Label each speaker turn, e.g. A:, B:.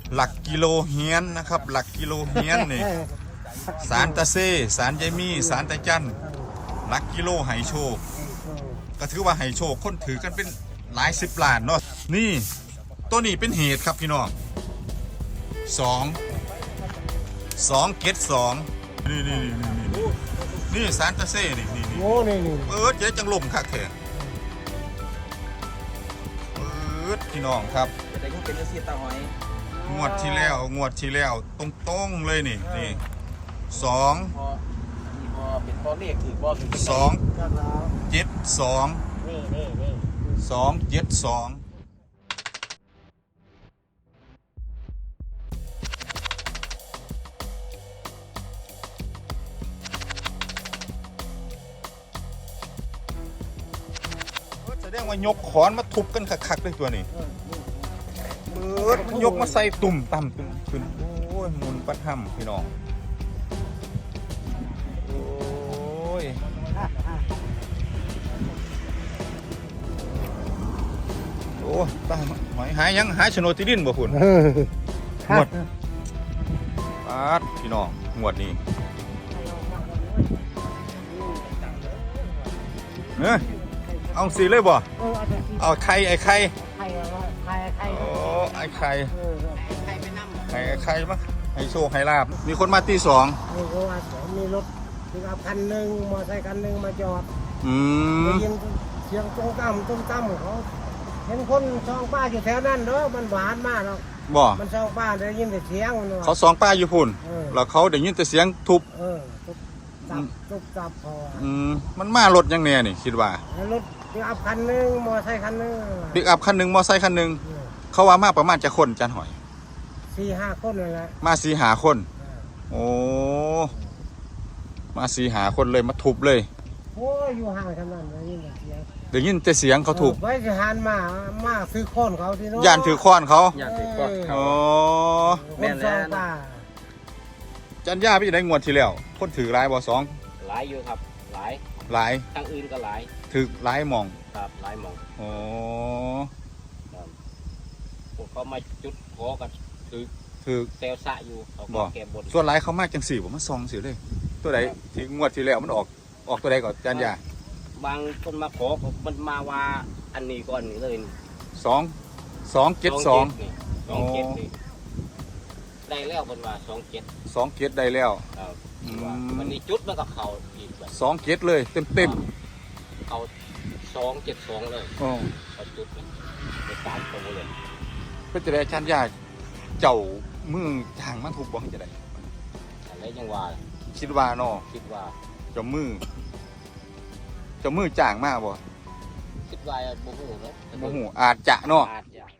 A: หลักกิโลเฮียนนะครับหลักกิโลเฮียนนี่สารตะเซ่สารยายมี่สารตะจันหลักกิโลไหโชคก็ถือว่าไหโชคคนถือกันเป็นหลาย10 ล้านเนาะนี่ตัวนี้เป็นเหตุครับพี่น้อง2 เกต 2นี่สารตะเซ่นี่
B: โอ้นี่
A: เจ๊จังลมคักแท้พี่น้องครับ
C: จะได้ก็เป็นเสียตาหอย
A: งวดที่แล้วตรงๆเลยนี่2
C: พอเป็นพอเลขถือพอถือ
A: 2 7 2 2 7 2แสดงว่ายกขอนมาทุบกันคักๆเลยตัวนี้มันยกมาใส่ตุ่มต่ำตุ่มขึ้นโอ้ยมุนปัดห้ำพี่น้องโอ้ยโอ้ตายหายยังหายโฉนดที่ดินบ่คุณงวดปัดพี่น้องงวดนี้เอาสีเลยบ่เอาไข่ไอ้ไข่โอ้ไอ้ไข่ไข่มั้งให้โชคให้ลาบมีคนมาตี2
B: มีรถปิกอัพคันหนึ่งมอเตอร์ไซค์คันหนึ่งมาจอดได้ยินเสียงตุ้มตั้มเขาเห็นคนซองป้าอยู่แถวนั้นเนาะมันหวานมากเนาะ
A: บ่
B: มันซองป้าได้ยินแต่เสียง
A: เขาซองป้าอยู่พุ่นแล้วเขาได้ยินแต่เสียงทุบ
B: ทุบจับพอ
A: มันมารถยังแน่นี่คิดว่
B: ารถปิกอัพคันหนึ่งมอเตอร์ไซค์คันหนึ่ง
A: ปิกอัพคันหนึ่งมอเตอร์ไซค์คันหนึ่งเขาว่ามาประมาณจะคนจันหอย
B: 4-5 คนเลยแหละ
A: มา4-5 คนโอ้มา4-5 คนเลยมาทุบเลย
B: โอ้ยอยู่ห่างขนาดนั้นได้ยินแต่เสียง
A: เขาทุบ
B: ไว้จะหันมาซื้อค้อนเขาที่โน้น
A: ย่านถือค้อนเขา
C: ย่านถือค้อนเขา
B: แม่นแล้ว
A: จันย่าพี่ได้งวดที่แล้วคนถือหลายบ่2
C: หลายอยู่ครับหลายทางอื่นก็หลาย
A: ถือหลายมอง
C: ครับหลายมอง
A: โอ้
C: พวกเขามาจุดขอกันถือเซลสะอยู่เขาแก้บน
A: ส่วนหลายเขามาจัง4ผมมา2สิเลยตัวใดที่งวดที่แล้วมันออกตัวใดก่อนจันย่า
C: บางคนมาขอมันมาว่าอันนี้ก่อนนี่เลย
A: 2 7 2
C: นี่ได้แล้วคนว่า
A: 2 7ได้แล้ว
C: วันนี้จุดมันกับเขาอีกแบบ
A: 2 7เลยเต็ม
C: เขา2-7-2เลยเขาจุดไป3 ตัวเลย
A: เพื่อจะได้จันย่าเจ้ามือทางมันถูกบ้องจะได้
C: อะไรยังว่า
A: คิดว่าเนาะ
C: คิดว่า
A: เจ้ามือจ่างมากบ่
C: คิดว่าโมโหเนาะ
A: โมโหอาจจะเนาะ